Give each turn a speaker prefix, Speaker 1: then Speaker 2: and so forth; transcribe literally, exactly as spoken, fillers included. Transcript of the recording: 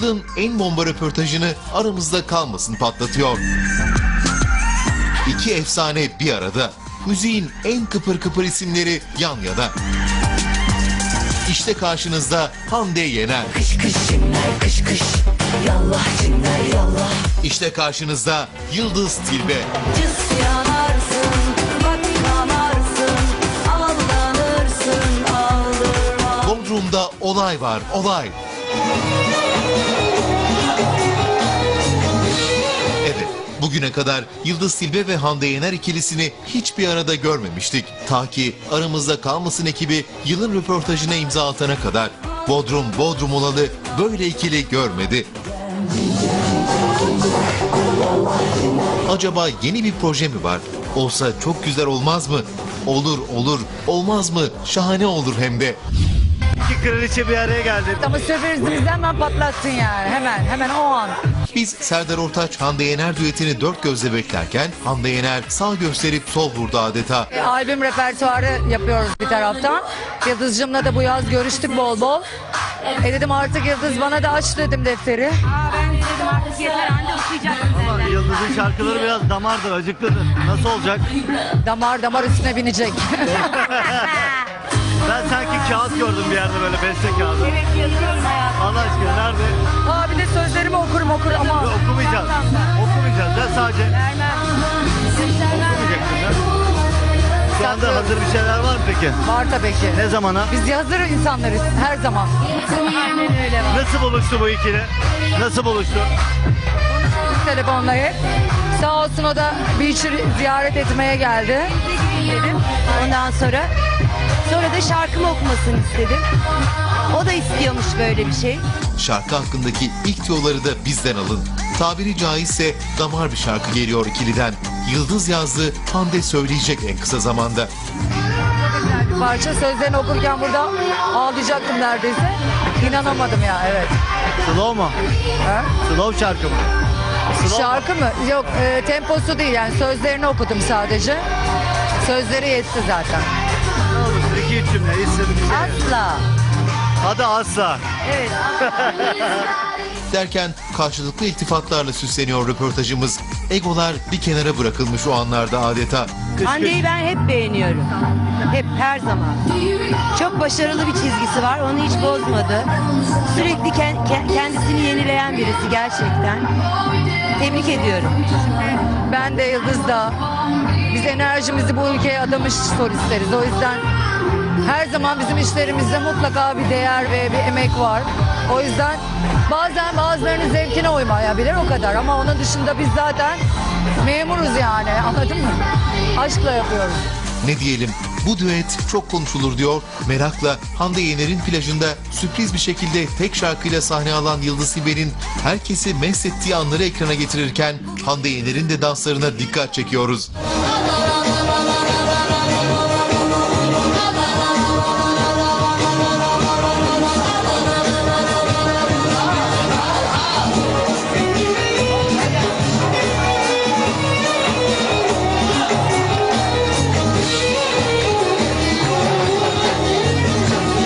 Speaker 1: yılın en bomba röportajını aramızda kalmasın patlatıyor. İki efsane bir arada. Müziğin en kıpır kıpır isimleri yan yana. İşte karşınızda Hande Yener.
Speaker 2: Kış kış cinler kış kış, yallah cinler yallah.
Speaker 1: İşte karşınızda Yıldız Tilbe.
Speaker 2: Cız yanarsın, bak yanarsın, aldanırsın, aldırma.
Speaker 1: Bodrum'da olay var, olay. Evet, bugüne kadar Yıldız Tilbe ve Hande Yener ikilisini hiçbir arada görmemiştik. Ta ki Aramızda Kalmasın ekibi yılın röportajına imza atana kadar. Bodrum, Bodrum olalı böyle ikili görmedi. Acaba yeni bir proje mi var? Olsa çok güzel olmaz mı? Olur olur, olmaz mı? Şahane olur hem de.
Speaker 3: İki kraliçe bir araya geldi.
Speaker 4: Ama sürprizimizi hemen patlattın yani. Hemen, hemen o an.
Speaker 1: Biz Serdar Ortaç Hande Yener düetini dört gözle beklerken Hande Yener sağ gösterip sol vurdu adeta.
Speaker 4: E, albüm repertuarı yapıyoruz bir taraftan. Yıldız'cığımla da bu yaz görüştük bol bol. E dedim artık Yıldız bana da aç dedim defteri.
Speaker 5: Aa, ben dedim artık yeter anca okuyacaksın
Speaker 3: Ama
Speaker 5: senden.
Speaker 3: Yıldız'ın şarkıları biraz damardır, acıklıdır. Nasıl olacak?
Speaker 4: Damar damar üstüne binecek.
Speaker 3: Ben sanki kağıt gördüm bir yerde, böyle beste kağıdı.
Speaker 5: Evet yazıyorum hayatım.
Speaker 3: Allah aşkına nerede?
Speaker 4: Aa bir de sözlerimi okurum okurum ama.
Speaker 3: Yok, okumayacağız. Okumayacağız ya, sadece.
Speaker 5: Vermem. Göstermem.
Speaker 3: Okumayacaksın ya. Şu anda hazır bir şeyler var mı peki?
Speaker 4: Var tabii ki.
Speaker 3: Ne zamana?
Speaker 4: Biz hazır insanlarız her zaman.
Speaker 5: Aynen öyle var.
Speaker 3: Nasıl buluştu bu ikili? Nasıl buluştu?
Speaker 4: Telefonla hep. Sağ olsun o da Beach'i ziyaret etmeye geldi.
Speaker 5: Dedim. Ondan sonra sonra da şarkımı okumasını istedim. O da istiyormuş böyle bir şey.
Speaker 1: Şarkı hakkındaki ilk tüyoları da bizden alın. Tabiri caizse damar bir şarkı geliyor ikiliden. Yıldız yazdı, Hande söyleyecek en kısa zamanda.
Speaker 4: Bir parça sözlerini okurken burada ağlayacaktım neredeyse. İnanamadım ya evet.
Speaker 3: Slow mu?
Speaker 4: Ha?
Speaker 3: Slow şarkı mı? Slow
Speaker 4: Şarkı mı? Yok e, temposu değil yani sözlerini okudum sadece. Sözleri yetti zaten.
Speaker 3: Ne olur? İki üç cümle istedim bir şey.
Speaker 4: Asla.
Speaker 3: Hadi asla.
Speaker 5: Evet.
Speaker 1: Derken karşılıklı iltifatlarla süsleniyor röportajımız. Egolar bir kenara bırakılmış o anlarda adeta.
Speaker 5: Hande'yi ben hep beğeniyorum. Hep, her zaman. Çok başarılı bir çizgisi var. Onu hiç bozmadı. Sürekli ken- ke- kendisini yenileyen birisi gerçekten. Tebrik ediyorum.
Speaker 4: Ben de Yıldız da. Biz enerjimizi bu ülkeye adamış solistleriz. O yüzden her zaman bizim işlerimizde mutlaka bir değer ve bir emek var. O yüzden bazen bazılarının zevkine uymayabilir o kadar. Ama onun dışında biz zaten memuruz yani anladın mı? Aşkla yapıyoruz.
Speaker 1: Ne diyelim, bu düet çok konuşulur diyor. Merakla Hande Yener'in plajında sürpriz bir şekilde tek şarkıyla sahne alan Yıldız Tilbe'nin herkesi mest ettiği anları ekrana getirirken Hande Yener'in de danslarına dikkat çekiyoruz.